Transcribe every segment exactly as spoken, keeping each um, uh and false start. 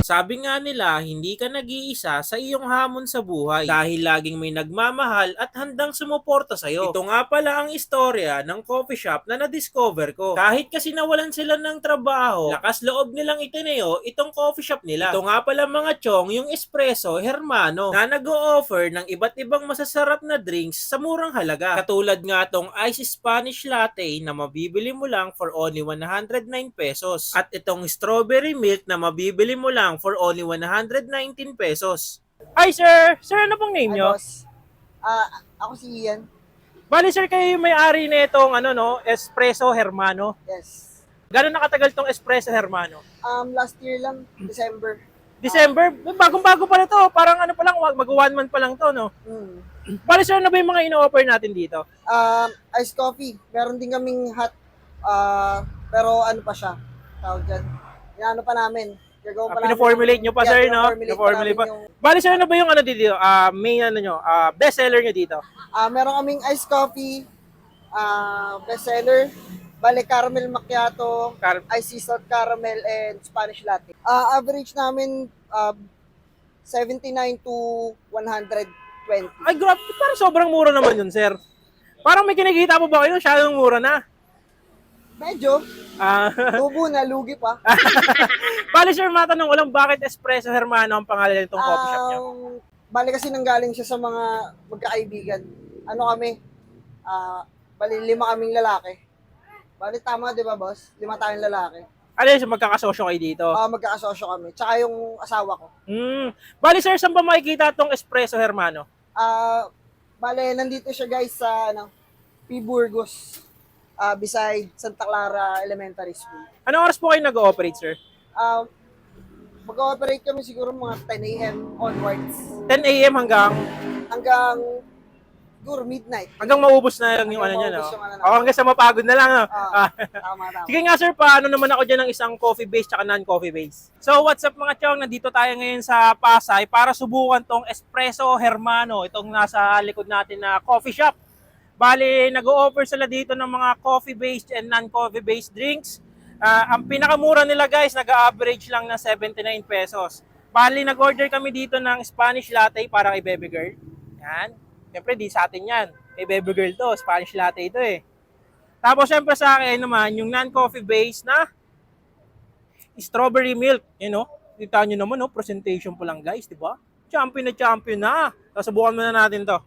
Sabi nga nila, hindi ka nag-iisa sa iyong hamon sa buhay dahil laging may nagmamahal at handang sumuporta sa'yo. Ito nga pala ang istorya ng coffee shop na na-discover ko. Kahit kasi nawalan sila ng trabaho, lakas loob nilang itineo itong coffee shop nila. Ito nga pala mga chong, yung Espresso Hermano na nag-o-offer ng iba't ibang masasarap na drinks sa murang halaga. Katulad nga tong Ice Spanish Latte na mabibili mo lang for only one hundred nine pesos. At itong Strawberry Milk na mabibili mo lang for only one hundred nineteen pesos. Hi sir! Sir, ano pong name Hi, nyo? boss. Ah, ako si Ian. Bali sir, kayo yung may-ari na itong ano, no, Espresso Hermano. Yes. Gano'n nakatagal tong Espresso Hermano? Um, last year lang, December. December? Bagong-bago pa na to. Parang ano pa lang, mag-one month pa lang to, no? Mm. Bali sir, ano ba yung mga ino-offer natin dito? Um, iced coffee. Meron din kaming hot, ah, pero ano pa siya? Tawag dyan. Inaano pa namin. Gagawin Uh, pa namin. pina-formulate nyo pa Yeah, sir, no? pina-formulate pa Pina-formulate pa. namin yung- Bali sir, ano ba yung ano dito? Ah, main ano nyo? Ah, best seller nyo dito? Ah, meron kaming iced coffee, ah, bestseller, bale caramel macchiato, Car- iced sea salt caramel, and Spanish latte. Ah, average namin ah, seventy-nine to one hundred twenty. Ay, grabe. Parang sobrang mura naman yun, sir. Parang may kinikita po ba kayo? Masyadong mura na. Medyo, Ah, tubo na, lugi pa. bali sir, matanong ko lang, bakit Espresso Hermano ang pangalan nitong coffee shop nyo? Um, bali kasi nanggaling siya sa mga magkakaibigan. Ano kami? Ah, bali lima kaming lalaki. Bali tama 'di ba, boss? Lima tayong lalaki. Ano yun, magkakasosyo kayo dito? Ah, magkaasosyo kami. Tsaka yung asawa ko. Hmm. Bali sir, saan ba makikita itong Espresso Hermano? Ah, bali nandito siya guys sa ano, P. Burgos. Ah, beside Santa Clara Elementary School. Anong oras po kayo nag-ooperate, sir? Ah, mag-ooperate kami siguro mga ten a.m. onwards ten a.m. hanggang hanggang siguro midnight. hanggang maubos na lang yung ano Hanggang niya, no? maubos yung ano O namin. hanggang sa mapagod na lang, no? Ah, Ah. tama tama. Sige nga sir, paano naman ako dyan ng isang coffee base tsaka non-coffee base? So what's up mga chong, nandito tayo ngayon sa Pasay para subukan tong Espresso Hermano, itong nasa likod natin na coffee shop. Bali, nag-o-offer sila dito ng mga coffee-based and non-coffee based drinks. Ah, ang pinakamura nila guys, nag-average lang ng seventy-nine pesos. Bali, nag-order kami dito ng Spanish latte para kay baby girl. Yan. Siyempre, di sa atin yan. Kay baby girl to, Spanish latte ito eh. Tapos, siyempre sa akin naman, yung non-coffee based na strawberry milk. You know, kita nyo naman, no? Presentation po lang guys, di ba? Champion na champion na. Susubukan muna natin to.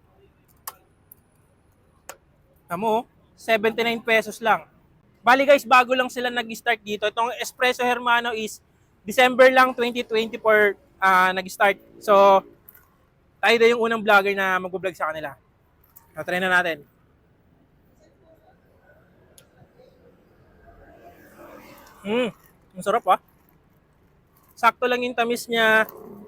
Amo, seventy-nine pesos lang. Bali guys, bago lang sila nag-start dito. Itong Espresso Hermano is December lang twenty twenty-four uh, nag-start. So, tayo na yung unang vlogger na mag-vlog sa kanila. So, try na natin. Hmm, ang sarap ah. Sakto lang yung tamis niya.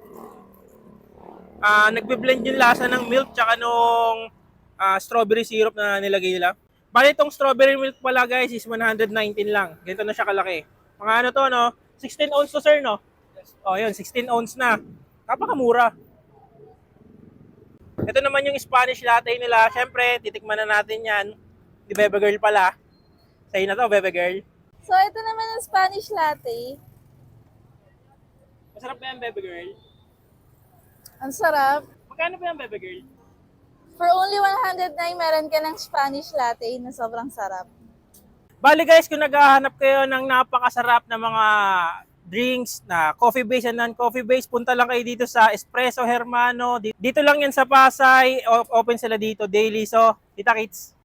Ah, nagbe-blend yung lasa ng milk tsaka nung uh, strawberry syrup na nilagay nila. Bali itong strawberry milk pala guys is one hundred nineteen lang. Ganito na siya kalaki. Mga ano to no? sixteen ounce to sir no? Oh yun, sixteen ounce na. Napakamura. Ito naman yung Spanish latte nila. Siyempre, titikman na natin yan. Di Bebe Girl pala. Sa'yo na to, Bebe Girl. So, ito naman ang Spanish latte. Masarap ba yan, Bebe Girl? Ang sarap. Magkano ba yan, Bebe Girl? For only one hundred nine, meron ka ng Spanish latte na sobrang sarap. Bali guys, kung naghahanap kayo ng napakasarap na mga drinks na coffee base and non-coffee base, punta lang kayo dito sa Espresso Hermano. Dito lang yan sa Pasay. O- Open sila dito daily. So, kita kits.